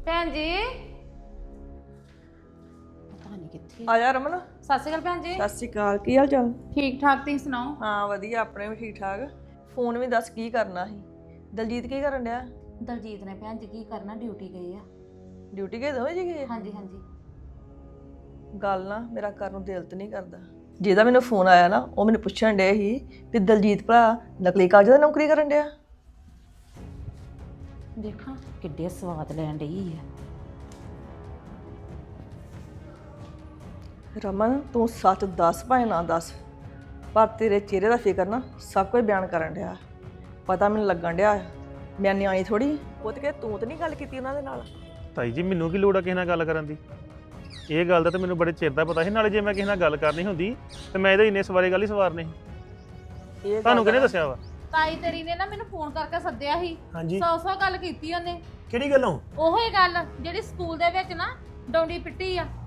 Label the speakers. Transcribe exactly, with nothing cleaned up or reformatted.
Speaker 1: ਭੈਣ ਜੀ ਪਤਾ ਨਹੀਂ ਕਿੱਥੇ
Speaker 2: ਆ ਜਾ ਰਮਨ।
Speaker 1: ਸਤਿ ਸ਼੍ਰੀ ਅਕਾਲ ਭੈਣ ਜੀ।
Speaker 2: ਸਤਿ ਸ਼੍ਰੀ ਅਕਾਲ, ਕੀ ਹਾਲ ਚਾਲ?
Speaker 1: ਠੀਕ ਠਾਕ, ਤੁਸੀਂ ਸੁਣਾਓ?
Speaker 2: ਹਾਂ ਵਧੀਆ, ਆਪਣੇ ਵੀ ਠੀਕ ਠਾਕ। ਫੋਨ ਵੀ ਦੱਸ ਕੀ ਕਰਨਾ ਸੀ? ਦਲਜੀਤ ਕੀ ਕਰਨ ਡਿਆ?
Speaker 1: ਦਲਜੀਤ ਨੇ ਭੈਣ ਜੀ ਕੀ ਕਰਨਾ, ਡਿਊਟੀ ਗਏ ਆ।
Speaker 2: ਡਿਊਟੀ ਗਏ ਦੋਵੇਂ ਜੀ ਗਏ?
Speaker 1: ਹਾਂਜੀ ਹਾਂਜੀ।
Speaker 2: ਗੱਲ ਨਾ ਮੇਰਾ ਕਰਨ ਨੂੰ ਦਿਲ ਤੇ ਨਹੀਂ ਕਰਦਾ। ਜਿਹਦਾ ਮੈਨੂੰ ਫੋਨ ਆਇਆ ਨਾ ਉਹ ਮੈਨੂੰ ਪੁੱਛਣ ਡਿਆ ਸੀ ਵੀ ਦਲਜੀਤ ਭਰਾ ਨਕਲੀ ਕਾਗਜ਼ਾਂ ਦੀ ਨੌਕਰੀ ਕਰਨ ਡਿਆ।
Speaker 1: ਦੇਖਾਂ ਕਿੱਡੇ ਸਵਾਦ ਲੈਣ ਡਈ ਆ।
Speaker 2: ਰਮਨ ਤੂੰ ਸੱਚ ਦੱਸ ਭਾਵੇਂ ਨਾ ਦੱਸ, ਪਰ ਤੇਰੇ ਚਿਹਰੇ ਦਾ ਫਿਕਰ ਨਾ ਸਭ ਕੁਝ ਬਿਆਨ ਕਰਨ ਡਿਆ। ਪਤਾ ਮੈਨੂੰ ਲੱਗਣ ਡਿਆ ਮੈਂ ਨਿਆਣੀ ਥੋੜੀ। ਉਹ ਤੇ ਕਿ ਤੂੰ ਤੇ ਨਹੀਂ ਗੱਲ ਕੀਤੀ ਉਹਨਾਂ ਦੇ ਨਾਲ।
Speaker 3: ਤਾਈ ਜੀ ਮੈਨੂੰ ਕੀ ਲੋੜ ਆ ਕਿਸੇ ਨਾਲ ਗੱਲ ਕਰਨ ਦੀ? ਇਹ ਗੱਲ ਦਾ ਤਾਂ ਮੈਨੂੰ ਬੜੇ ਚਿਰ ਦਾ ਪਤਾ ਸੀ। ਨਾਲੇ ਜੇ ਮੈਂ ਕਿਸੇ ਨਾਲ ਗੱਲ ਕਰਨੀ ਹੁੰਦੀ ਤੇ ਮੈਂ ਇਹਦੇ ਇੰਨੇ ਸਵਾਰੇ ਗੱਲ ਹੀ ਸਵਾਰਨੇ ਸੀ।
Speaker 2: ਇਹ
Speaker 3: ਤੁਹਾਨੂੰ ਕਿਹਨੇ ਦੱਸਿਆ ਵਾ?
Speaker 1: ਤਾਈ ਤੇਰੀ ਨੇ ਨਾ ਮੈਨੂੰ ਫੋਨ ਕਰਕੇ ਸੱਦਿਆ ਸੀ।
Speaker 4: ਹਾਂਜੀ
Speaker 1: ਸੌ ਸੌ ਗੱਲ ਕੀਤੀ ਉਹਨੇ।
Speaker 4: ਕਿਹੜੀ ਗੱਲੋਂ?
Speaker 1: ਉਹੋ ਹੀ ਗੱਲ ਜਿਹੜੀ ਸਕੂਲ ਦੇ ਵਿੱਚ ਨਾ ਡੌਂਡੀ ਪਿੱਟੀ ਆ।